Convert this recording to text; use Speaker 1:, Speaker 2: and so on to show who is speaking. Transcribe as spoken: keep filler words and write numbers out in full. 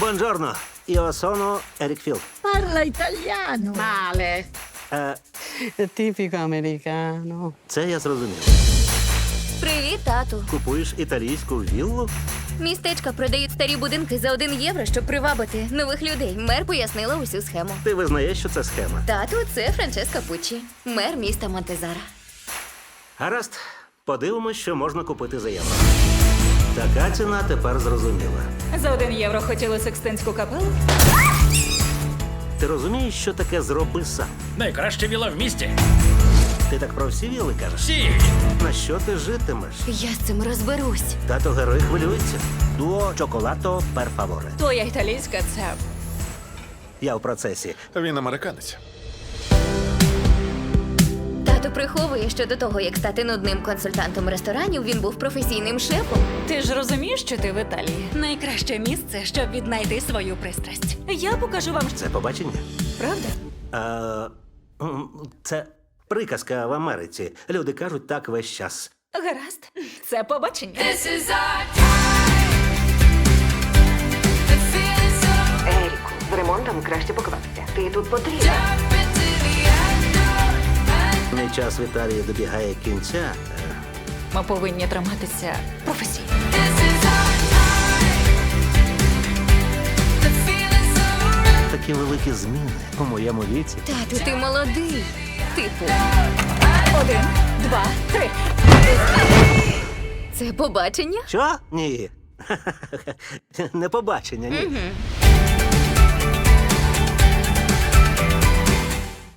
Speaker 1: Buongiorno, io sono Eric Field.
Speaker 2: Parla italiano.
Speaker 3: Male.
Speaker 1: Е,
Speaker 4: Типіко американо.
Speaker 1: це я зрозумів.
Speaker 5: Привіт, тату.
Speaker 1: Купуєш італійську віллу?
Speaker 5: Містечка продають старі будинки за один євро, щоб привабити нових людей. Мер пояснила усю схему.
Speaker 1: Ти визнаєш, що це схема.
Speaker 5: Тату, це Франческа Пуччі, мер міста Монтезара.
Speaker 1: Гаразд, подивимось, що можна купити за євро. Така ціна тепер зрозуміла.
Speaker 6: За один євро хотіли Секстинську капелу?
Speaker 1: Ти розумієш, що таке «зроби сам»?
Speaker 7: Найкраща віла в місті.
Speaker 1: Ти так про всі віли кажеш?
Speaker 7: Всі.
Speaker 1: На що ти житимеш?
Speaker 5: Я з цим розберусь.
Speaker 1: Тато герой хвилюється. Дуо чоколато пер фаворе.
Speaker 6: Твоя італійська це
Speaker 1: Я в процесі.
Speaker 8: Він американець.
Speaker 5: Тато приховує, що до того, як стати нудним консультантом ресторанів, він був професійним шефом.
Speaker 6: Ти ж розумієш, що ти в Італії? Найкраще місце, щоб віднайти свою пристрасть. Я покажу вам,
Speaker 1: Це побачення?
Speaker 6: правда?
Speaker 1: А, м, це приказка в Америці. Люди кажуть так весь час.
Speaker 6: Гаразд, це побачення.
Speaker 3: Еріку, з ремонтом краще поквапся. Ти тут потрібен.
Speaker 1: Мій час в Італії добігає кінця. Е,
Speaker 6: Ми повинні триматися професійно.
Speaker 1: Такі великі зміни у моєму віці.
Speaker 5: Тату, ти молодий. Типу,
Speaker 6: Один, два, три.
Speaker 5: це побачення?
Speaker 1: Що? Ні. Не побачення, ні.